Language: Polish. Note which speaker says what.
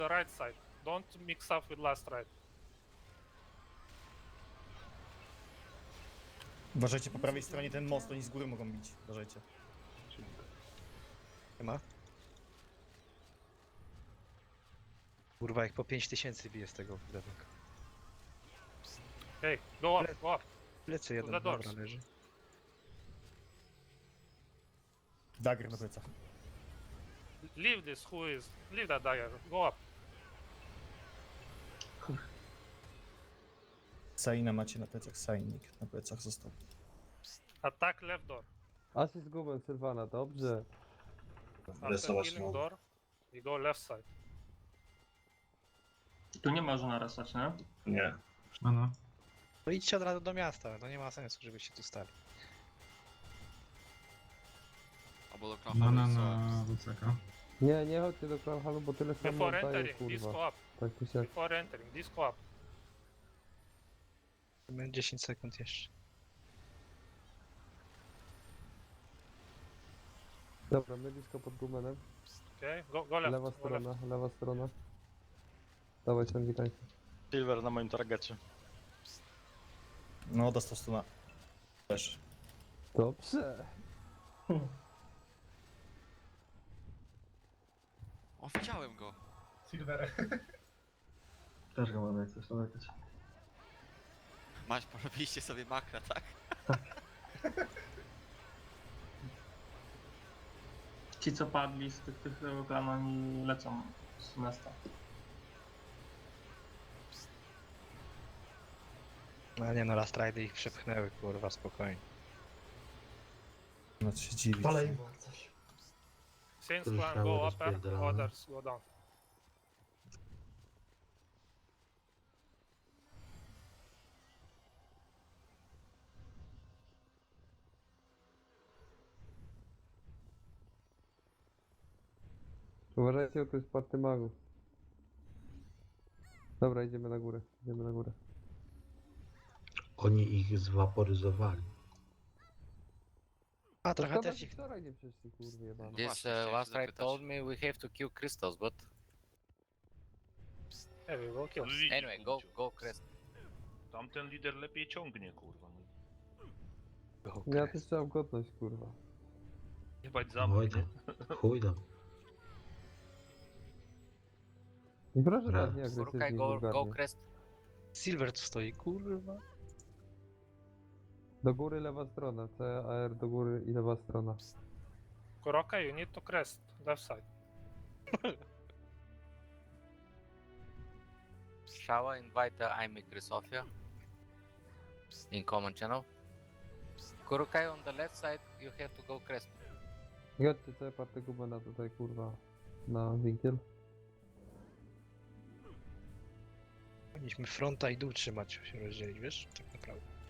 Speaker 1: the right side. Don't mix up with last right.
Speaker 2: Uważajcie, po prawej stronie ten most, oni z góry mogą bić. Uważajcie.
Speaker 3: Nie ma? Kurwa, jak po 5000 bije z tego budownika.
Speaker 1: Hey, go up, go up.
Speaker 3: Plecy jeden,
Speaker 1: The doors.
Speaker 3: dobra, leży.
Speaker 2: Dagger na plecach.
Speaker 1: Leave this, who is... Leave that dagger, go up.
Speaker 2: Saina macie na plecach, Sainik na plecach został.
Speaker 1: Attack left door.
Speaker 4: Asyst gubę Sylwana, dobrze.
Speaker 1: After
Speaker 5: Resować
Speaker 1: killing
Speaker 5: mogę.
Speaker 1: door, we go left side.
Speaker 6: Tu nie można resać, nie?
Speaker 5: Nie.
Speaker 7: Ano.
Speaker 3: No idźcie od razu do miasta, to nie ma sensu, żebyście tu stali.
Speaker 8: Albo do
Speaker 7: Mana
Speaker 8: Krachowa.
Speaker 7: na WCK.
Speaker 4: Nie, nie chodźcie do Kronhalu, bo tyle samo
Speaker 1: Before
Speaker 4: oddaje,
Speaker 1: entering,
Speaker 4: kurwa.
Speaker 1: disco up.
Speaker 4: Tak tu się...
Speaker 1: Before entering, disco up.
Speaker 3: Mamy 10 sekund jeszcze.
Speaker 4: Dobra, my blisko pod gumenem.
Speaker 1: Okay, go left,
Speaker 4: Lewa
Speaker 1: go left.
Speaker 4: strona, lewa strona. Dawaj ciągi tańce.
Speaker 9: Silver na moim targecie.
Speaker 2: No, dostał stuna. Też.
Speaker 4: Dobrze.
Speaker 8: O, widziałem go.
Speaker 5: Silver.
Speaker 9: Też go mamy, coś tam jakieś.
Speaker 8: Maś, porobiliście sobie makra, tak?
Speaker 6: Ci co padli z tych tego klanu, oni lecą z miasta.
Speaker 3: No nie no, Last Ridy ich przepchnęły, kurwa, spokojnie.
Speaker 2: No, się dziwi.
Speaker 5: Palej coś.
Speaker 1: Since clan go upper, others go down.
Speaker 4: Uważajcie, bo to jest party magów. Dobra, idziemy na górę, idziemy na górę.
Speaker 10: Oni ich zwaporyzowali.
Speaker 3: A trochę
Speaker 4: Szkoda,
Speaker 3: też
Speaker 4: że
Speaker 3: ich...
Speaker 4: wczoraj nie przyszli, kurwa jebany.
Speaker 8: This,
Speaker 11: This
Speaker 8: chciałem
Speaker 11: last
Speaker 8: się
Speaker 11: ride
Speaker 8: zapytać.
Speaker 11: told me we have to kill crystals, but
Speaker 1: Yeah, we will kill.
Speaker 11: anyway, go crest.
Speaker 9: Tamten lider lepiej ciągnie, kurwa.
Speaker 4: Ja też trzeba godność, kurwa.
Speaker 9: Jebać
Speaker 10: Oj tam, chuj tam.
Speaker 4: I proszę
Speaker 10: Dobra.
Speaker 4: tak nie
Speaker 11: Urukaj,
Speaker 4: agresywnie,
Speaker 11: go
Speaker 4: wulgarnie.
Speaker 11: crest.
Speaker 3: Silver tu stoi, kurwa.
Speaker 4: Do góry lewa strona, CAR do góry i lewa strona.
Speaker 1: Kuroka, you need to crest, left side.
Speaker 11: Shall I invite Imikri Sofia in common channel? Kurukai on the left side, you have to go crest.
Speaker 4: I chodźcie sobie party gumena tutaj, kurwa, na winkiel.
Speaker 3: Powinniśmy fronta i dół trzymać, się rozdzielić, wiesz? Tak naprawdę.